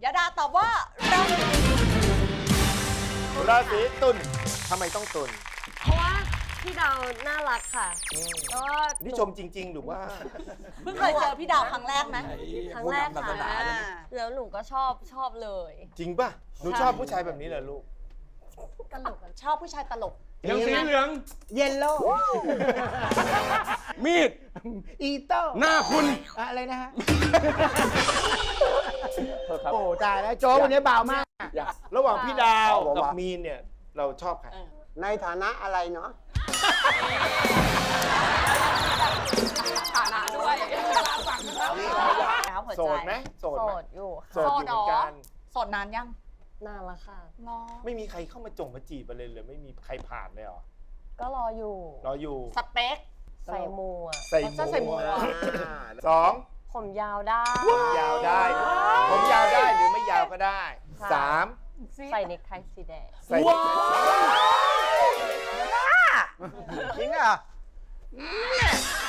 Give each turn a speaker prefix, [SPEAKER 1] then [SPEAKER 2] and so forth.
[SPEAKER 1] ยดาตอบว่า
[SPEAKER 2] ราศีตุลทำไมต้องตุล
[SPEAKER 3] เพราะว่าพี่ดาวน่ารักค่ะแล้วก็
[SPEAKER 2] นี่ชมจริง ๆ หรือว่า
[SPEAKER 1] เพิ่งเคยเจอพี่ดาวครั้งแรกไหม
[SPEAKER 3] ครั้งแรกค่ะแล้วหนูก็ชอบเลย
[SPEAKER 2] จริงป่ะ หนูชอบผู้ชายแบบนี้เหรอลูก
[SPEAKER 3] ตลก
[SPEAKER 1] ชอบผู้ชายตลก
[SPEAKER 4] ยังสีเหลือง
[SPEAKER 5] เยลโล่
[SPEAKER 4] มีด
[SPEAKER 5] อีโต้
[SPEAKER 4] หน้าคุณ
[SPEAKER 5] อะไรนะฮะ โอ้ตายแล้วโจ๊กวันนี้เบามาก
[SPEAKER 2] ระหว่างพี่ดาวกับมีนเนี่ย เราชอบใคร
[SPEAKER 6] ในฐานะอะไรเนาะ
[SPEAKER 1] ฐานะด้วยแล้วหัว
[SPEAKER 2] โส
[SPEAKER 1] ใจ
[SPEAKER 2] ดไหมโสด
[SPEAKER 3] โส
[SPEAKER 2] ไหม
[SPEAKER 3] ดอยู่
[SPEAKER 2] โส
[SPEAKER 3] ค่ะ
[SPEAKER 2] ดอยู่เหมือนกัน
[SPEAKER 1] โสดนานยัง
[SPEAKER 3] นานละค่ะ
[SPEAKER 1] รอ
[SPEAKER 2] ไม่มีใครเข้ามาจงมาจีบเลยหรือไม่มีใครผ่านเลยเหรอ
[SPEAKER 3] ก็รออยู่
[SPEAKER 2] รออยู่
[SPEAKER 1] สเปค
[SPEAKER 3] ใส่มูอ่ะ
[SPEAKER 2] ใส่
[SPEAKER 1] จะใส่หมวก
[SPEAKER 2] สอง
[SPEAKER 3] ผมยาวได้
[SPEAKER 2] ผมยาวได้ ผมยาวได้หรือไม่ยาวก็ได้
[SPEAKER 3] ค่ะ
[SPEAKER 2] สาม
[SPEAKER 3] ใส่เนคไทสีแดง
[SPEAKER 2] ใส่
[SPEAKER 6] จริงอ่ะ